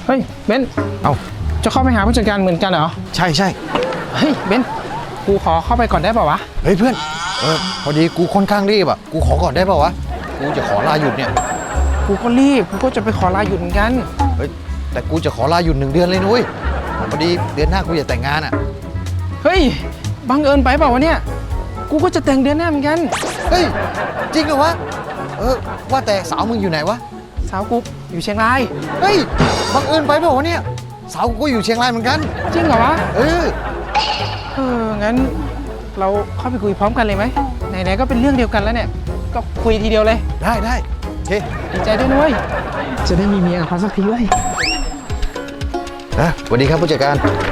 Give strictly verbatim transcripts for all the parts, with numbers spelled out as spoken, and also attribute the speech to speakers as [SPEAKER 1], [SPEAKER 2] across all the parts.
[SPEAKER 1] เฮ้ยเบนเอาจะเข้าไปหาผู้จัดการเหมือนกันเหรอ
[SPEAKER 2] ใช่ใช่
[SPEAKER 1] เฮ้ยเบนกูขอเข้าไปก่อนได้ป่าวะ
[SPEAKER 2] เฮ้ยเพื่อนเออพอดีกูค่อนข้างรีบอ่ะกูขอก่อนได้ป่าวะกูจะขอลาหยุดเนี่ย
[SPEAKER 1] กูก็รีบกูก็จะไปขอลาหยุดเหมือนกัน
[SPEAKER 2] เฮ้ยแต่กูจะขอลาหยุดหนึ่งเดือนเลยนุ้ยพอดีเดือนหน้ากูจะแต่งงานอ่ะ
[SPEAKER 1] เฮ้ยบังเอิญไปเปล่าวะเนี่ยกูก็จะแต่งเดือนหน้าเหมือนกัน
[SPEAKER 2] เฮ้ยจริงเหรอวะเออว่าแต่สาวมึงอยู่ไหนวะ
[SPEAKER 1] สาวกูอยู่เชียงราย
[SPEAKER 2] เฮ้ยบังเอิญไปเปล่าวะเนี่ยสาวกูก็อยู่เชียงรายเหมือนกัน
[SPEAKER 1] จริงเหรอวะ
[SPEAKER 2] เออ
[SPEAKER 1] เอองั้นเราเข้าไปคุยพร้อมกันเลยไหมไหนๆก็เป็นเรื่องเดียวกันแล้วเนี่ยก็คุยทีเดียวเลย
[SPEAKER 2] ได้ได้โอเค
[SPEAKER 1] ดีใจด้วยนุ้ยจะได้มีเมียกับเขาสักทีเว้ย
[SPEAKER 2] นะสวัสดีครับผู้จัดการ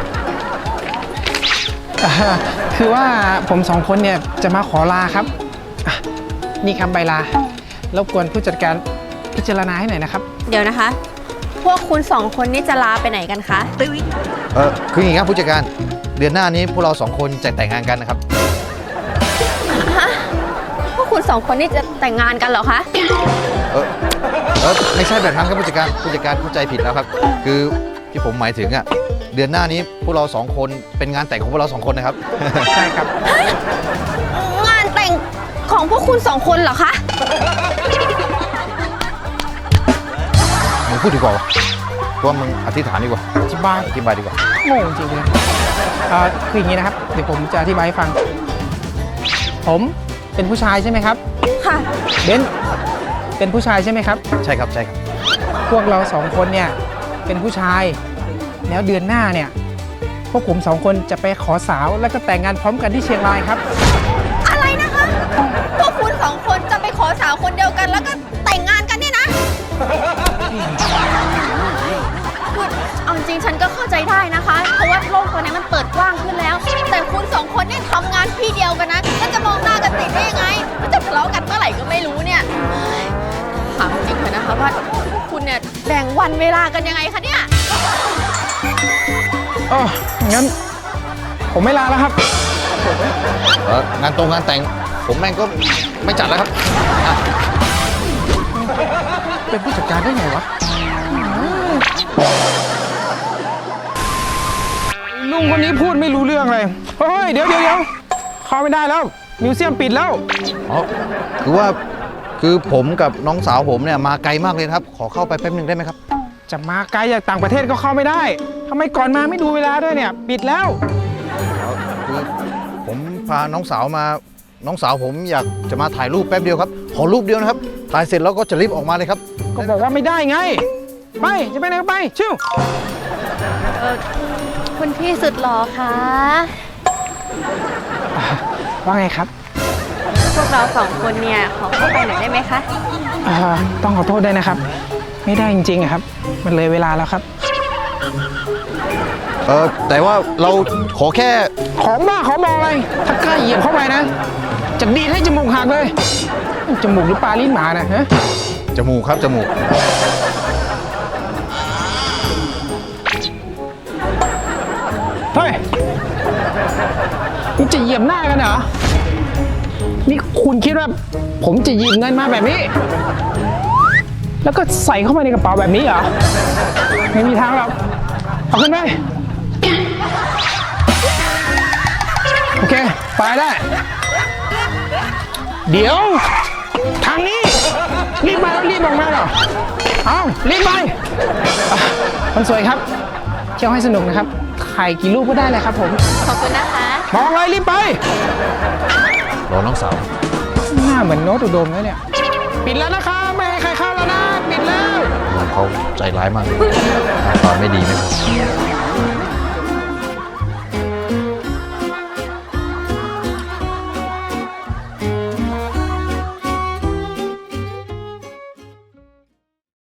[SPEAKER 1] คือว่าผมสองคนเนี่ยจะมาขอลาครับนี่ครับใบลารบกวนผู้จัดการพิจารณาให้หน่อยนะครับ
[SPEAKER 3] เดี๋ยวนะคะพวกคุณสองคนนี่จะลาไปไหนกันคะ
[SPEAKER 2] เออคืออย่างนี้ครับผู้จัดการเดือนหน้านี้พวกเราสองคนจะแต่งงานกันนะครับ
[SPEAKER 3] ฮะพวกคุณสองคนนี่จะแต่งงานกันเหรอคะ
[SPEAKER 2] เออเออไม่ใช่แบบนั้นครับผู้จัดการผู้จัดการเข้าใจผิดแล้วครับคือที่ผมหมายถึงอ่ะเดือนหน้านี้พวกเราสองคนเป็นงานแต่งของพวกเราสองคนนะครับ
[SPEAKER 1] ใช่ครับ
[SPEAKER 3] งานแต่งของพวกคุณสองคนเหรอคะ
[SPEAKER 2] มึงพูดดีกว่าว่ามึงอธิษฐานดีกว่า
[SPEAKER 1] อธิบาย
[SPEAKER 2] อธิบายดีกว่า
[SPEAKER 1] โง่จริงเลยคืออย่างนี้นะครับเดี๋ยวผมจะอธิบายให้ฟังผมเป็นผู้ชายใช่ไหมครับ
[SPEAKER 3] ค่ะ
[SPEAKER 1] เบนเป็นผู้ชายใช่ไหมครับ
[SPEAKER 2] ใช่ครับใช่ครับ
[SPEAKER 1] พวกเราสองคนเนี่ยเป็นผู้ชายแล้วเดือนหน้าเนี่ยพวกผมสองคนจะไปขอสาวแล้วก็แต่งงานพร้อมกันที่เชียงรายครับ
[SPEAKER 3] อะไรนะคะพวกคุณสองคนจะไปขอสาวคนเดียวกันแล้วก็แต่งงานกันเนี่ยนะคือเอาจริงฉันก็เข้าใจได้นะคะเพราะว่าโลกตอนนี้มันเปิดกว้างขึ้นแล้วแต่คุณสองคนเนี่ยทำงานที่เดียวกันนะแล้วจะมองหน้ากันติดได้ยังไงมันจะทะเลาะกันเมื่อไหร่ก็ไม่รู้เนี่ยถามจริงเถอะนะคะว่าคุณเนี่ยแบ่งวันเวลากันยังไงคะเนี่ย
[SPEAKER 1] อ๋องั้นผมไม่ลาแล้วครับ
[SPEAKER 2] เอองานตรงงานแต่งผมแม่งก็ไม่จัดแล้วครับ
[SPEAKER 1] เป็นผู้จัดการได้ไงวะลุงคนนี้พูดไม่รู้เรื่องเลยเฮ้ยเดี๋ยวเดี๋ยวเดี๋ยวเข้าไม่ได้แล้วมิวเซียมปิดแล้ว
[SPEAKER 2] อ๋อคือว่าคือผมกับน้องสาวผมเนี่ยมาไกลมากเลยครับขอเข้าไปแป๊บนึงได้ไหมครับ
[SPEAKER 1] จะมาไกลจากต่างประเทศก็เข้าไม่ได้ทำไมก่อนมาไม่ดูเวลาด้วยเนี่ยปิดแล้ว
[SPEAKER 2] คือผมพาน้องสาวมาน้องสาวผมอยากจะมาถ่ายรูปแป๊บเดียวครับขอรูปเดียวนะครับถ่ายเสร็จแล้วก็จะรีบออกมาเลยครับ
[SPEAKER 1] ก็บอกว่าไม่ได้ไงไปจะไปไหนก็ไปชิว
[SPEAKER 3] เออคุณพี่สุดหล่อคะ
[SPEAKER 1] ว่าไงครับ
[SPEAKER 3] พวกเราสองคนเนี่ยขอเข้าไปหน่อยได้ไหมคะ
[SPEAKER 1] ต้องขอโทษด้วยนะครับไม่ได้จริงๆครับมันเลยเวลาแล้วครับ
[SPEAKER 2] เออแต่ว่าเราขอแค่
[SPEAKER 1] ของบ้าของบออะไรถ้ากล้าเหยียบเข้าไปนะจะดีให้จมูกหักเลยจมูกหรือปลาลิ้นหมานะฮะ
[SPEAKER 2] จมูกครับจมูก
[SPEAKER 1] เฮ้ยนี่จะเหยียบหน้ากันเหรอนี่คุณคิดว่าผมจะหยิบเงินมาแบบนี้แล้วก็ใส่เข้าไปในกระเป๋าแบบนี้เหรอไม่มีทางหรอกเอาขึ้นไปโอเคไปได้เดี๋ยวทางนี้รีบมาแล้วรีบออกมาเหรอเอารีบไปคนสวยครับเที่ยวให้สนุกนะครับถ่ายกี่รูปก็ได้เลยครับผม
[SPEAKER 3] ขอบคุณนะคะ
[SPEAKER 1] มองเลยรีบไป
[SPEAKER 2] รอน้องสาว
[SPEAKER 1] หน้าเหมือนโน้ตอุดมเลยเนี่ยปิดแล้วนะคะไม่ให้ใครเข้าแล้วนะปิดแล้ว
[SPEAKER 2] เขาใจร้ายมากตอนไม่ดีไหมครับ